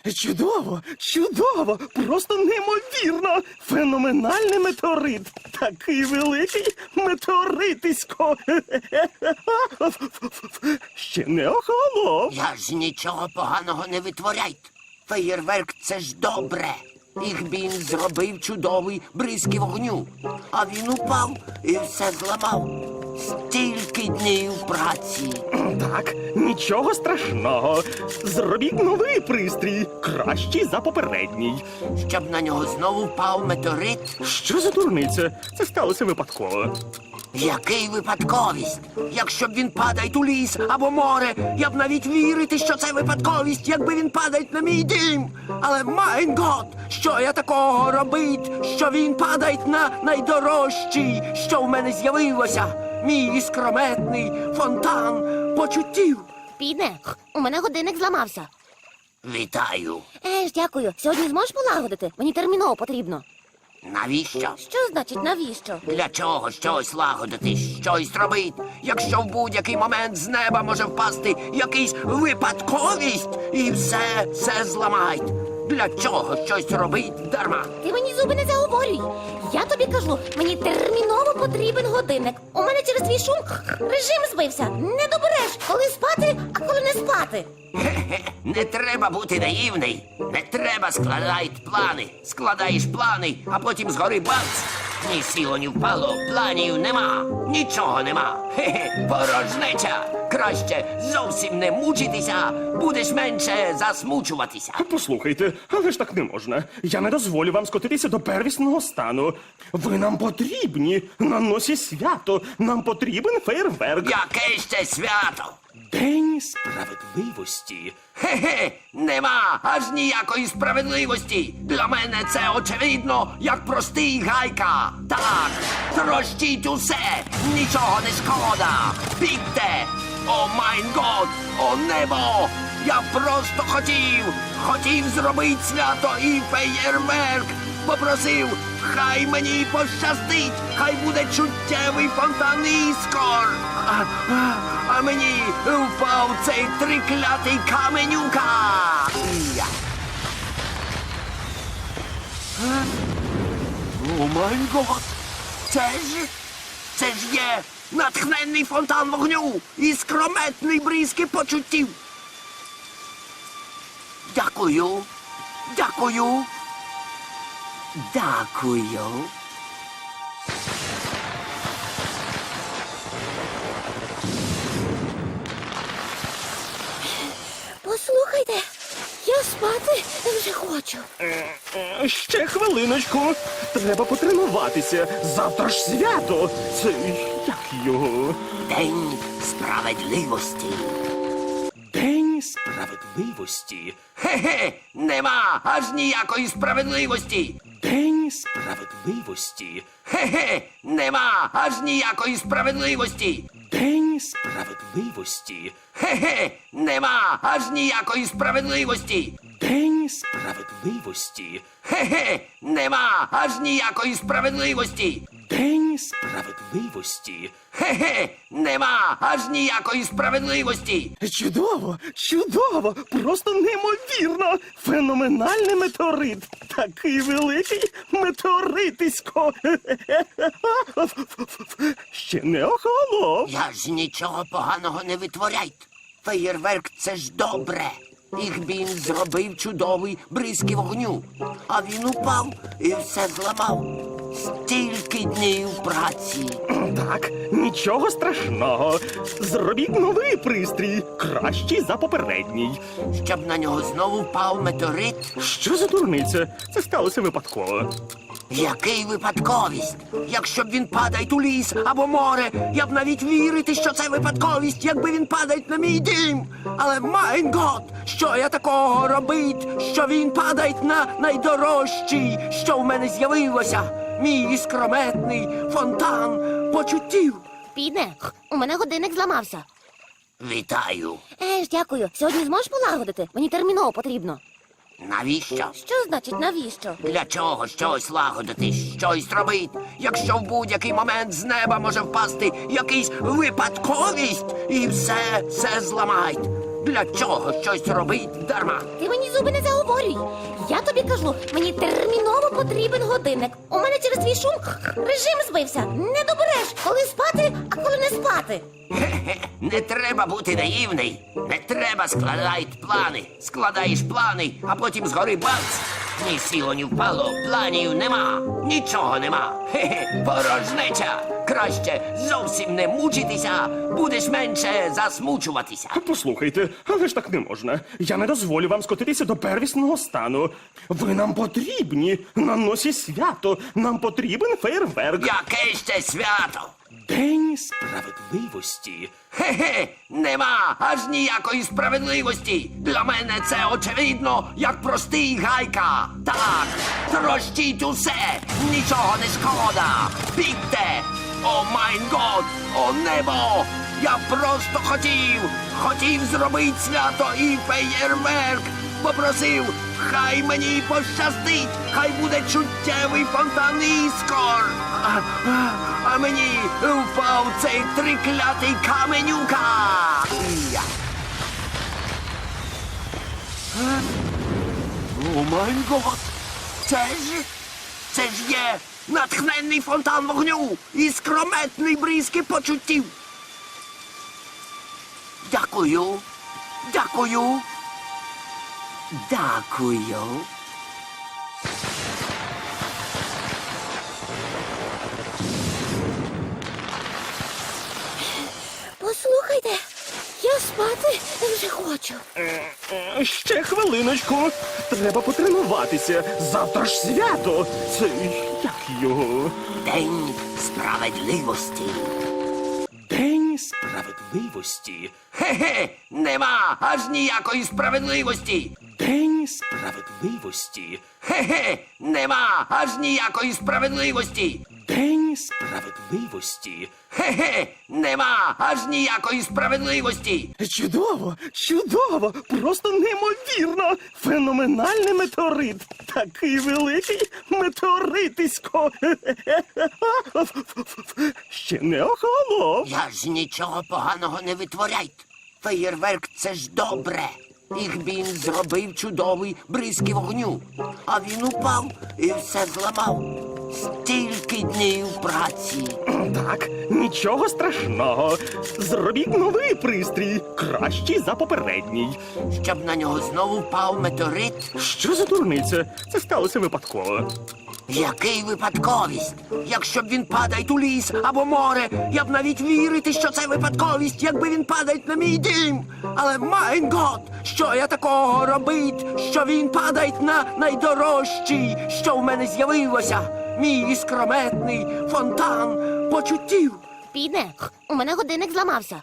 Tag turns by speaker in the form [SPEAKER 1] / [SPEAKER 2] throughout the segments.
[SPEAKER 1] Чудово, чудово, просто неймовірно. Феноменальний метеорит. Такий великий метеоритисько. Ще не охолонув.
[SPEAKER 2] Я ж нічого поганого не витворяйте. Феєрверк – це ж добре. Ігбін зробив чудовий бризки вогню. А він упав і все зламав. Стільки днів праці.
[SPEAKER 1] Так, нічого страшного. Зробіть новий пристрій, кращий за попередній.
[SPEAKER 2] Щоб на нього знову впав метеорит.
[SPEAKER 1] Що за дурниця? Це сталося випадково.
[SPEAKER 2] Який випадковість? Якщо б він падає у ліс або море, я б навіть вірити, що це випадковість, якби він падає на мій дім. Але, майн гот, що я такого робить, що він падає на найдорожчий, що в мене з'явилося? Мій іскрометний фонтан почуттів.
[SPEAKER 3] Піде, у мене годинник зламався.
[SPEAKER 2] Вітаю.
[SPEAKER 3] Дякую. Сьогодні зможеш полагодити? Мені терміново потрібно.
[SPEAKER 2] Навіщо?
[SPEAKER 3] Що значить навіщо?
[SPEAKER 2] Для чого щось лагодити, щось робити, якщо в будь-який момент з неба може впасти якийсь випадковість і все зламають? Для чого щось робить дарма?
[SPEAKER 3] Ти мені зуби не заговорюй. Я тобі кажу, мені терміново потрібен годинник. У мене через твій шум режим збився. Не добереш, коли спати, а коли не спати.
[SPEAKER 2] Хе-хе, не треба бути наївний. Не треба складати плани. Складаєш плани, а потім згори бац. Ні сіло, ні впало, планів нема, нічого нема. Хе-хе, порожнеча. Краще зовсім не мучитися, будеш менше засмучуватися.
[SPEAKER 1] Послухайте, але ж так не можна. Я не дозволю вам скотитися до первісного стану. Ви нам потрібні. На носі свято. Нам потрібен фейерверк.
[SPEAKER 2] Яке ще свято?
[SPEAKER 1] День справедливості.
[SPEAKER 2] Хе-хе, нема аж ніякої справедливості. Для мене це очевидно, як простий гайка. Так, трощіть усе, нічого не шкода. Бігте! О майн год, о небо! Я просто хотів зробити свято і феєрверк. Попросив, хай мені пощастить, хай буде чуттєвий фонтан іскор. А мені впав цей триклятий каменюка. Я. О май гот! Це ж є натхненний фонтан вогню і скрометний бризки почуттів. Дякую. Дякую. Дякую.
[SPEAKER 3] Послухайте, я спати вже хочу.
[SPEAKER 1] Ще хвилиночку. Треба потренуватися. Завтра ж свято. Це як його?
[SPEAKER 2] День справедливості.
[SPEAKER 1] День справедливості.
[SPEAKER 2] Хе-хе, нема аж ніякої справедливості.
[SPEAKER 1] День справедливості.
[SPEAKER 2] Хе-хе, нема аж ніякої справедливості.
[SPEAKER 1] День справедливості.
[SPEAKER 2] Хе-хе, нема аж ніякої справедливості.
[SPEAKER 1] День справедливості.
[SPEAKER 2] Хе-хе, нема аж ніякої справедливості.
[SPEAKER 1] День справедливості.
[SPEAKER 2] Хе-хе, нема аж ніякої справедливості.
[SPEAKER 1] Чудово, чудово, просто неймовірно. Феноменальний метеорит. Такий великий метеоритисько. Ще не охолонув.
[SPEAKER 2] Я ж нічого поганого не витворяйте. Феєрверк – це ж добре. Ігбін зробив чудовий бризки вогню. А він упав і все зламав. Стільки днів праці.
[SPEAKER 1] Так, нічого страшного. Зробіть новий пристрій, кращий за попередній.
[SPEAKER 2] Щоб на нього знову впав метеорит.
[SPEAKER 1] Що за дурниця? Це сталося випадково.
[SPEAKER 2] Який випадковість? Якщо б він падає у ліс або море, я б навіть вірити, що це випадковість, якби він падає на мій дім. Але, майн гот, що я такого робить, що він падає на найдорожчий, що в мене з'явилося? Мій іскрометний фонтан почуттів.
[SPEAKER 3] Піде, у мене годинник зламався.
[SPEAKER 2] Вітаю.
[SPEAKER 3] Дякую. Сьогодні зможеш полагодити? Мені терміново потрібно.
[SPEAKER 2] Навіщо?
[SPEAKER 3] Що значить навіщо?
[SPEAKER 2] Для чого щось лагодити, щось робити, якщо в будь-який момент з неба може впасти якийсь випадковість і все зламають? Для чого щось робить дарма?
[SPEAKER 3] Ти мені зуби не заговорюй. Я тобі кажу, мені терміново потрібен годинник. У мене через твій шум режим збився. Не добереш, коли спати, а коли не спати.
[SPEAKER 2] Хе-хе, не треба бути наївний. Не треба складати плани. Складаєш плани, а потім згори бац. Ні сіло, ні впало, планів нема, нічого нема. Хе-хе, порожнеча. Краще зовсім не мучитися, будеш менше засмучуватися.
[SPEAKER 1] Послухайте, але ж так не можна. Я не дозволю вам скотитися до первісного стану. Ви нам потрібні на носі свято. Нам потрібен фейерверк.
[SPEAKER 2] Яке ще свято?
[SPEAKER 1] День справедливості.
[SPEAKER 2] Хе-хе, нема аж ніякої справедливості. Для мене це очевидно, як простий гайка. Так, трощіть усе, нічого не шкода. Бігте! О майн год, о небо! Я просто хотів зробити свято і феєрверк. Попросив, хай мені пощастить, хай буде чуттєвий фонтан іскор. А мені впав цей триклятий каменюка. Я. О май гот! Це ж є натхненний фонтан вогню і скрометний бризки почуттів. Дякую. Дякую. Дякую.
[SPEAKER 3] Послухайте, я спати вже хочу.
[SPEAKER 1] Ще хвилиночку. Треба потренуватися. Завтра ж свято. Це як його?
[SPEAKER 2] День справедливості.
[SPEAKER 1] День справедливості.
[SPEAKER 2] Хе-хе, нема аж ніякої справедливості.
[SPEAKER 1] День справедливості.
[SPEAKER 2] Хе-хе, нема аж ніякої справедливості.
[SPEAKER 1] День справедливості.
[SPEAKER 2] Хе-хе, нема аж ніякої справедливості.
[SPEAKER 1] Чудово, чудово, просто неймовірно. Феноменальний метеорит. Такий великий метеоритисько. Ще не охолонув.
[SPEAKER 2] Я ж нічого поганого не витворяйте. Феєрверк це ж добре. Їх він зробив чудовий бризки вогню. А він упав і все зламав. Стільки днів праці.
[SPEAKER 1] Так, нічого страшного. Зробіть новий пристрій, кращий за попередній.
[SPEAKER 2] Щоб на нього знову впав метеорит.
[SPEAKER 1] Що за дурниця? Це сталося випадково.
[SPEAKER 2] Який випадковість? Якщо б він падає у ліс або море, я б навіть вірити, що це випадковість, якби він падає на мій дім. Але майн гот, що я такого робить, що він падає на найдорожчий, що в мене з'явилося. Мій іскрометний фонтан почуттів.
[SPEAKER 3] Піде, у мене годинник зламався.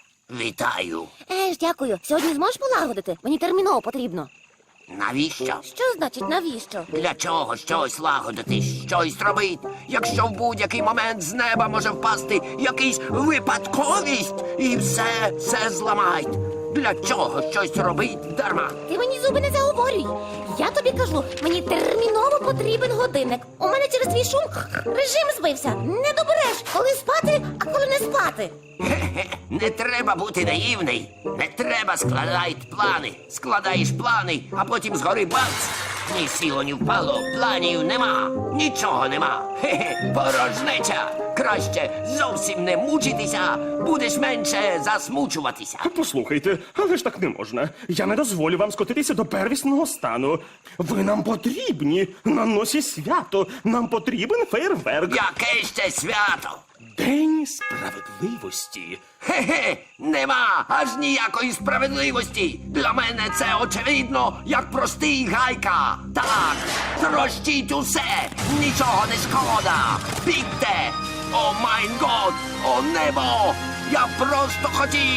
[SPEAKER 2] Вітаю.
[SPEAKER 3] Дякую. Сьогодні зможеш полагодити? Мені терміново потрібно.
[SPEAKER 2] Навіщо?
[SPEAKER 3] Що значить навіщо?
[SPEAKER 2] Для чого щось лагодити, щось робити, якщо в будь-який момент з неба може впасти якийсь випадковість і все зламають? Для чого щось робить дарма?
[SPEAKER 3] Ти мені зуби не заговорюй. Я тобі кажу, мені терміново потрібен годинник. У мене через твій шум режим збився. Не добереш, коли спати, а коли не спати.
[SPEAKER 2] Хе-хе, не треба бути наївний. Не треба складати плани. Складаєш плани, а потім згори бац. Ні сіло, ні впало, планів нема, нічого нема. Хе-хе, порожнеча. Краще зовсім не мучитися, будеш менше засмучуватися.
[SPEAKER 1] Послухайте, але ж так не можна. Я не дозволю вам скотитися до первісного стану. Ви нам потрібні на носі свято. Нам потрібен фейерверк.
[SPEAKER 2] Яке ще свято?
[SPEAKER 1] День справедливості.
[SPEAKER 2] Хе-хе, нема аж ніякої справедливості. Для мене це очевидно, як простий гайка. Так, трощіть усе, нічого не шкода. Бігте! О майн год, о небо! Я просто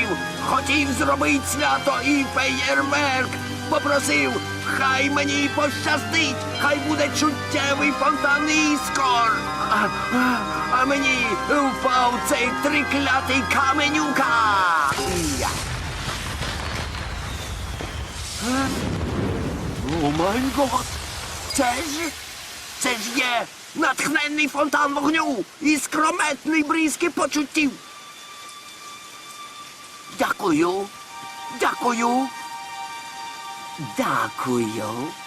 [SPEAKER 2] хотів зробити свято і феєрверк. Попросив, хай мені пощастить, хай буде чуттєвий фонтан іскор. А мені впав цей триклятий каменюка. Я. О май гот! Це ж є натхненний фонтан вогню і скрометний бризки почуттів. Дякую. Дякую. Дякую.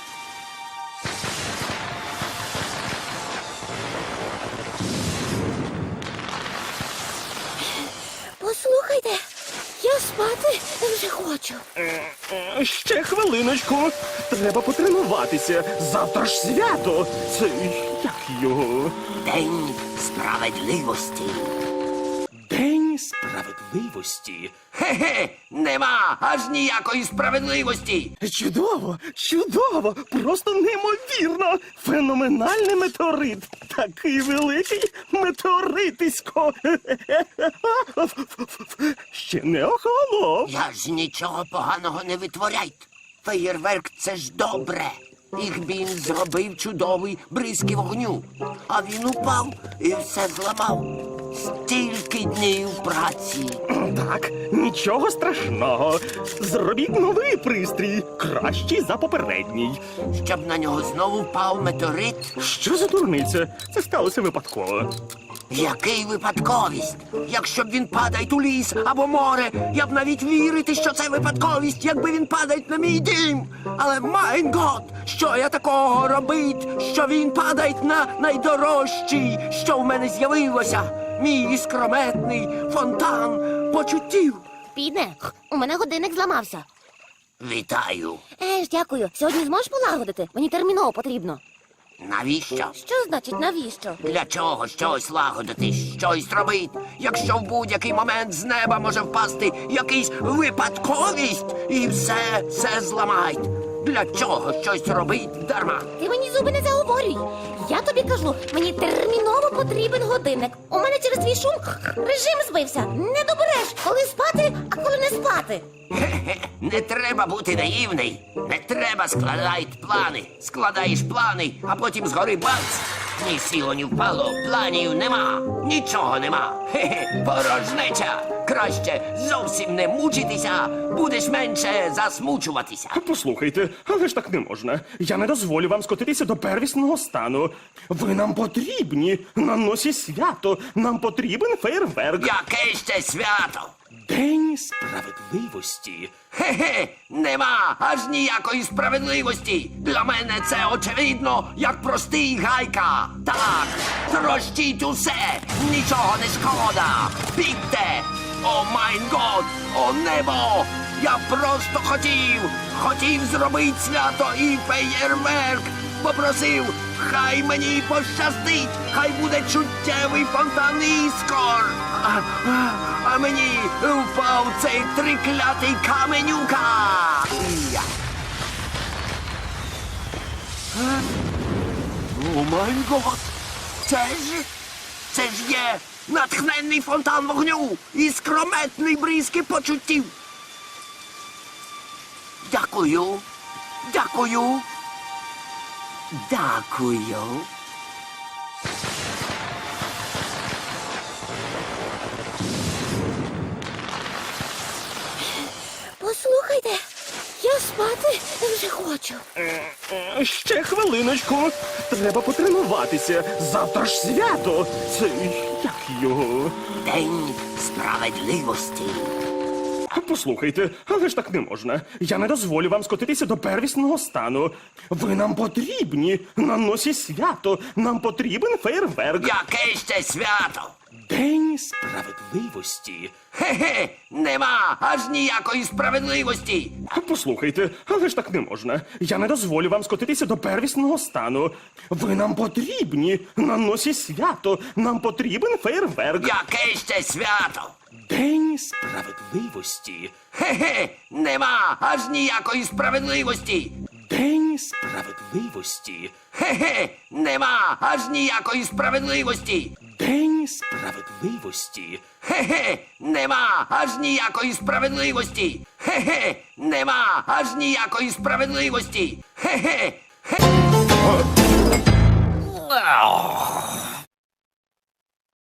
[SPEAKER 3] Послухайте, я спати вже хочу.
[SPEAKER 1] Ще хвилиночку. Треба потренуватися. Завтра ж свято. Це як його?
[SPEAKER 2] День справедливості.
[SPEAKER 1] День справедливості.
[SPEAKER 2] Хе-хе, нема аж ніякої справедливості.
[SPEAKER 1] Чудово, чудово, просто неймовірно. Феноменальний метеорит. Такий великий метеоритисько. Ще не охолонув.
[SPEAKER 2] Я ж нічого поганого не витворяйте. Феєрверк — це ж добре. Їх він зробив чудовий бризки вогню. А він упав і все зламав. Стільки днів праці.
[SPEAKER 1] Так, нічого страшного. Зробіть новий пристрій, кращий за попередній.
[SPEAKER 2] Щоб на нього знову впав метеорит.
[SPEAKER 1] Що за дурниця? Це сталося випадково.
[SPEAKER 2] Який випадковість? Якщо б він падає у ліс або море, я б навіть вірити, що це випадковість, якби він падає на мій дім. Але, майн гот, що я такого робить, що він падає на найдорожчий, що в мене з'явилося? Мій іскрометний фонтан почуттів.
[SPEAKER 3] Піде, у мене годинник зламався.
[SPEAKER 2] Вітаю.
[SPEAKER 3] Дякую. Сьогодні зможеш полагодити? Мені терміново потрібно.
[SPEAKER 2] Навіщо?
[SPEAKER 3] Що значить навіщо?
[SPEAKER 2] Для чого щось лагодити, щось робити, якщо в будь-який момент з неба може впасти якийсь випадковість і все зламають? Для чого щось робить дарма?
[SPEAKER 3] Ти мені зуби не заговорюй. Я тобі кажу, мені терміново потрібен годинник. У мене через твій шум режим збився. Не добереш, коли спати, а коли не спати.
[SPEAKER 2] Хе-хе, не треба бути наївний. Не треба складати плани. Складаєш плани, а потім згори бац. Ні сіло, ні впало, планів нема. Нічого нема. Хе-хе, порожнеча. Краще зовсім не мучитися, будеш менше засмучуватися.
[SPEAKER 1] Послухайте, але ж так не можна. Я не дозволю вам скотитися до первісного стану. Ви нам потрібні. На носі свято. Нам потрібен фейерверк.
[SPEAKER 2] Яке ще свято?
[SPEAKER 1] День справедливості.
[SPEAKER 2] Хе-хе, нема аж ніякої справедливості. Для мене це очевидно, як простий гайка. Так, трощіть усе, нічого не шкода. Бігте! О майн год, о небо! Я просто хотів зробити свято і феєрверк. Попросив, хай мені пощастить, хай буде чуттєвий фонтан іскор. А мені впав цей триклятий каменюка. Я. О май гот! Це ж є натхненний фонтан вогню і скрометний бризки почуттів. Дякую. Дякую. Дякую.
[SPEAKER 3] Послухайте, я спати вже хочу.
[SPEAKER 1] Ще хвилиночку. Треба потренуватися. Завтра ж свято. Це як його?
[SPEAKER 2] День справедливості.
[SPEAKER 1] Послухайте, але ж так не можна. Я не дозволю вам скотитися до первісного стану. Ви нам потрібні. На носі свято. Нам потрібен фейерверк.
[SPEAKER 2] Яке ще свято?
[SPEAKER 1] День справедливості.
[SPEAKER 2] Хе-хе, нема аж ніякої справедливості.
[SPEAKER 1] Послухайте, але ж так не можна. Я не дозволю вам скотитися до первісного стану. Ви нам потрібні. На носі свято. Нам потрібен фейерверк.
[SPEAKER 2] Яке ще свято?
[SPEAKER 1] День справедливості.
[SPEAKER 2] Хе-хе, нема аж ніякої справедливості.
[SPEAKER 1] День справедливості.
[SPEAKER 2] Хе-хе, нема аж ніякої справедливості.
[SPEAKER 1] День справедливості.
[SPEAKER 2] Хе-хе, нема аж ніякої справедливості. Хе-хе, нема аж ніякої справедливості. Хе-хе.